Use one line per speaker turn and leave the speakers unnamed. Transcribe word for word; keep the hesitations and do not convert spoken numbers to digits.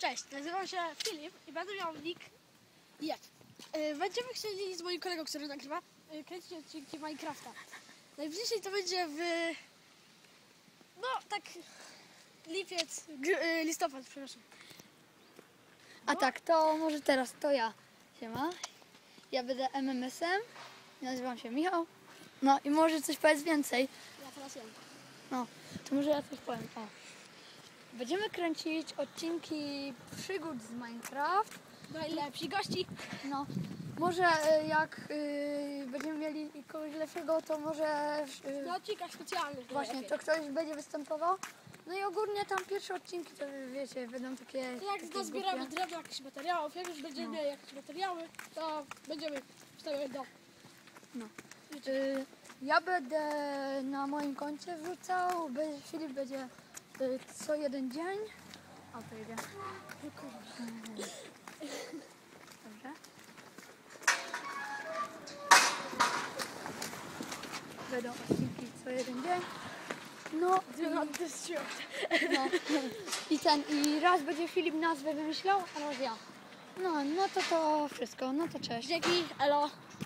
Cześć, nazywam się Filip i będę miał nick jak. Będziemy chcieli z moim kolegą, który nagrywa, kręcić odcinki Minecrafta. Najbliżej to będzie w... no tak... lipiec, g- listopad, przepraszam.
A tak, to może teraz to ja. Siema. Ja będę M M S-em. Nazywam się Michał. No i może coś powiedz więcej.
Ja teraz jem.
No, to może ja coś powiem. O. Będziemy kręcić odcinki przygód z Minecraft.
Najlepsi gości.
No, może y, jak y, będziemy mieli kogoś lepszego, to może y,
Na odcinkach specjalnych.
właśnie to ktoś będzie występował. No i ogólnie tam pierwsze odcinki to wiecie, będą takie...
Jak
takie
nazbieramy
głupie.
drewno, jakichś materiałów, jak już będziemy
No.
mieli jakieś materiały, to będziemy wstawiać do...
No. Y, ja będę na moim koncie wrzucał, be- Filip będzie y, co jeden dzień. O, to jedzie. Dobrze. Będą odcinki co jeden dzień. No,
No,
no. I ten, i raz będzie Filip nazwę wymyślał, a raz ja. No, no to to wszystko, no to cześć.
Dzięki, elo.